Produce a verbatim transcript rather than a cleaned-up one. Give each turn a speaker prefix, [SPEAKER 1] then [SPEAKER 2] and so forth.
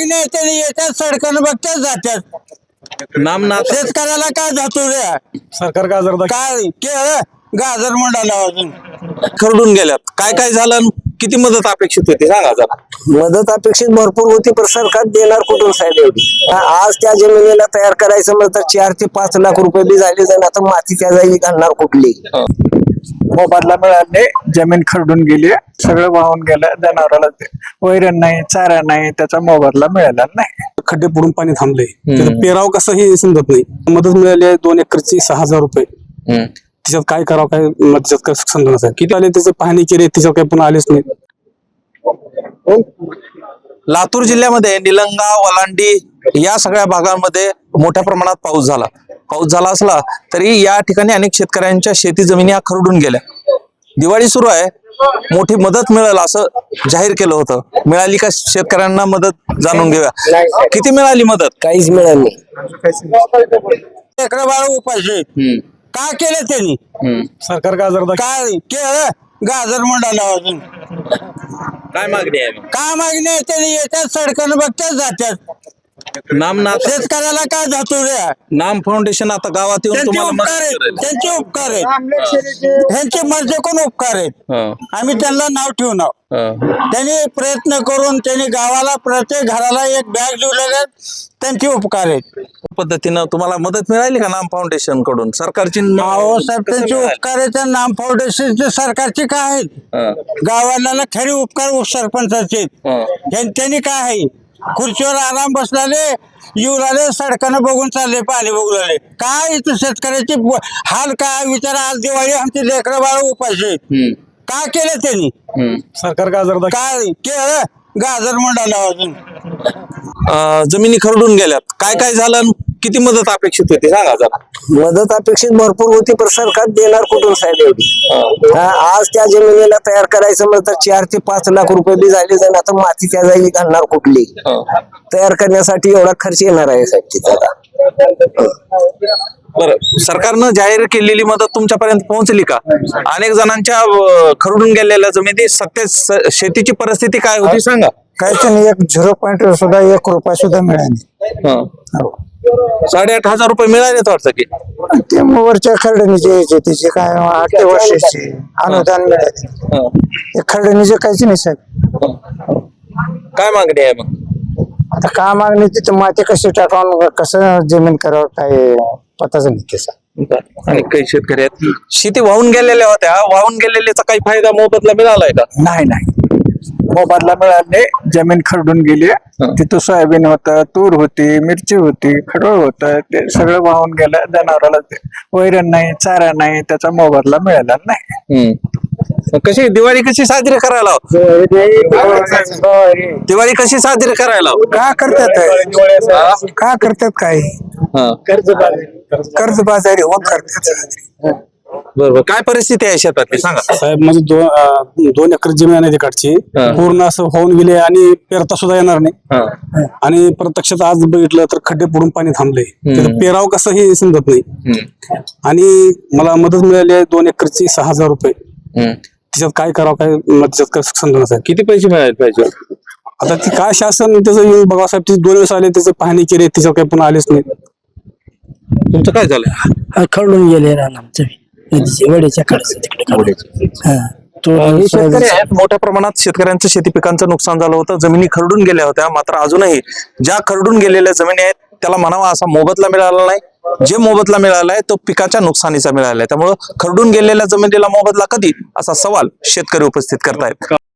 [SPEAKER 1] मागणी आहे त्यांनी येतात सडकन बघतात जातात
[SPEAKER 2] नाम ना
[SPEAKER 1] शेतकऱ्याला काय जातो रे
[SPEAKER 3] सरकार गाजर
[SPEAKER 1] काय केळ गाजर मंडाला अजून
[SPEAKER 2] खरडून गेल्यात काय काय झालं आणि किती मदत अपेक्षित होती सांगा जरा.
[SPEAKER 4] मदत अपेक्षित भरपूर होती पण सरकार देणार कुठून साहेब एवढी आज त्या जमिनीला तयार करायचं म्हणलं तर चार ते पाच लाख रुपये बी झाले जाईल आता माती त्या जागी घालणार कुठली
[SPEAKER 3] मोबदला मिळाले जमीन खरडून गेली सगळं वाहून गेलं जनावराला वैरण नाही चारा नाही त्याचा मोबदला मिळाला नाही
[SPEAKER 5] खड्डे पडून पाणी थांबले पेराव कसं हे समजत नाही मदत मिळाली आहे दोन एकरची सहा हजार रुपये त्याच्यात काय करावं काय त्याच्यात काय समजत नाही किती आले त्याचे पाहणी केली त्याच्यावर काही पुन्हा आलेच नाही.
[SPEAKER 2] लातूर जिल्ह्यामध्ये निलंगा वलांडी या सगळ्या भागांमध्ये मोठ्या प्रमाणात पाऊस झाला पाऊस झाला असला तरी या ठिकाणी अनेक शेतकऱ्यांच्या शेती जमिनी ह्या खरडून गेल्या. दिवाळी सुरू आहे मोठी मदत मिळेल असं जाहीर केलं होतं मिळाली का शेतकऱ्यांना मदत जाणून घेऊया किती मिळाली मदत
[SPEAKER 4] काहीच मिळालं नाही
[SPEAKER 1] लेकरं बाळ उपाशी काय केलं त्यांनी
[SPEAKER 3] सरकार गाजर
[SPEAKER 1] काय केळ गाजर मंडाला अजून
[SPEAKER 2] काय मागणी आहे
[SPEAKER 1] काय मागणी आहे त्यांनी येतात सडकन बघतात जातात
[SPEAKER 2] नाम ना
[SPEAKER 1] शेतकऱ्याला काय जातो रे
[SPEAKER 2] नाम फाउंडेशन आता गावात येऊन
[SPEAKER 1] त्यांचे
[SPEAKER 2] तुम्हाला
[SPEAKER 1] उपकार
[SPEAKER 2] मदत
[SPEAKER 1] आहेत
[SPEAKER 2] करेल.
[SPEAKER 1] त्यांचे उपकार आहेत ह्यांचे मर्जे कोण उपकार आहेत
[SPEAKER 2] हं,
[SPEAKER 1] आम्ही त्यांना नाव ठेवू नाव
[SPEAKER 2] हं.
[SPEAKER 1] त्यांनी प्रयत्न करून त्यांनी गावाला प्रत्येक घराला एक बॅग दिलेले त्यांचे उपकार आहेत
[SPEAKER 2] पद्धतीनं तुम्हाला मदत मिळाली का नाम फाउंडेशन कडून सरकारची
[SPEAKER 1] अहो साहेब त्यांचे उपकार आहेत त्या नाम फाउंडेशनचे सरकारचे काय आहेत
[SPEAKER 2] हं,
[SPEAKER 1] गावाला खरे उपकार सरपंचाचे आहेत.
[SPEAKER 2] हं.
[SPEAKER 1] त्यां- त्यांनी काय आहे खुर्चीवर आराम बसलाले येऊ आले सडकानं बघून चालले पाणी बघून आले काय इथं शेतकऱ्याची ब- हाल काय विचारा आज दिवाळी आमची लेकरं बाळ उपाशी आहेत.
[SPEAKER 2] हं,
[SPEAKER 1] काय केलं त्यांनी
[SPEAKER 2] हं.
[SPEAKER 3] सरकार गाजर
[SPEAKER 1] काय केळ गाजर मंडाला अजून
[SPEAKER 2] अं, जमिनी खरडून गेल्यात काय काय झालं आणि किती मदत अपेक्षित होती सांगा जरा.
[SPEAKER 4] मदत अपेक्षित भरपूर होती पण सरकार देणार कुठून साहेब एवढी हा, आज त्या जमिनीला तयार करायचं म्हणलं तर चार ते पाच लाख रुपये बी झाले जाईल आता माती त्या जागी घालणार कुठली तयार करण्यासाठी एवढा खर्च येणार आहे साहेब तिथे आता
[SPEAKER 2] बरं सरकारनं जाहीर केलेली मदत तुमच्यापर्यंत पोहोचली का अनेक जणांच्या अं, खरडून गेलेल्या जमिनी सत्य स- शेतीची परिस्थिती काय होती सांगा.
[SPEAKER 3] काहीच नाही एक झिरो पॉईंट सुद्धा एक रुपया सुद्धा मिळाली
[SPEAKER 2] हं. साडेआठ हजार रुपये मिळाले वाटतं की
[SPEAKER 3] ते वरच्या खरडणीचे यायचे त्याचे काय आठ ते वर्षाचे अनुदान मिळाले
[SPEAKER 2] हं.
[SPEAKER 3] ते खरडणीचे काहीच नाही साहेब
[SPEAKER 2] काय मागणी आहे मग
[SPEAKER 3] आता का मागणी तिथं माती कशी टाकावून कसं जमीन करावं काय पताच नाही त्याचा
[SPEAKER 2] आणि काही शेतकरी आहेत शेती वाहून गेलेल्या होत्या वाहून गेलेल्याचा काही फायदा मोबदला मिळालाय का
[SPEAKER 3] नाही नाही मोबदला मिळाले जमीन खरडून गेली तिथं सोयाबीन होतं तूर होती मिरची होती खडोळ होतं ते सगळं वाहून गेलं जनावराला ते वैरण नाही चारा नाही त्याचा मोबदला मिळाला नाही
[SPEAKER 2] हम्म. मग कशी दिवाळी कशी साजरी करायला दिवाळी कशी साजरी करायला
[SPEAKER 3] का करतात का करतात काय कर्ज बाजारी होऊन करतात
[SPEAKER 2] बरोबर काय परिस्थिती आहे शेतातली सांगा.
[SPEAKER 5] साहेब म्हणजे दोन अं, दोन एकर जमीन आहे तिकडची पूर्ण असं होऊन गेले आणि पेरता सुद्धा येणार नाही आणि प्रत्यक्षात आज बघितलं तर खड्डे पडून पाणी थांबले पेराव कसं हे समजत नाही आणि मला मदत मिळाली आहे दोन एकरची सहा हजार रुपये त्याच्यात काय करावं काय त्याच्यात काय समजत नाही.
[SPEAKER 2] किती पैसे मिळाले पाहिजे
[SPEAKER 5] आता ती काय शासन त्याचं येऊन बघा साहेब ते दोन वेळेस आले त्याचे पाहणी केली त्याच्यावर काही पुन्हा आलेच नाही.
[SPEAKER 2] तुमचं काय झालं
[SPEAKER 6] खरडून गेले रान आमचं नदीचे वड्याच्या कडेचं तिकडे
[SPEAKER 2] शेतकरी आहेत मोठ्या प्रमाणात शेतकऱ्यांचं शेती पिकांचं नुकसान झालं होतं जमिनी खरडून गेल्या होत्या मात्र अजूनही ज्या खरडून गेलेल्या जमिनी आहेत त्याला म्हणावा असा मोबदला मिळाला नाही जे मोबदला मिळालाय तो पिकाच्या नुकसानीचा मिळालाय त्यामुळं खरडून गेलेल्या जमिनीला मोबदला कधी असा सवाल शेतकरी उपस्थित करतायत.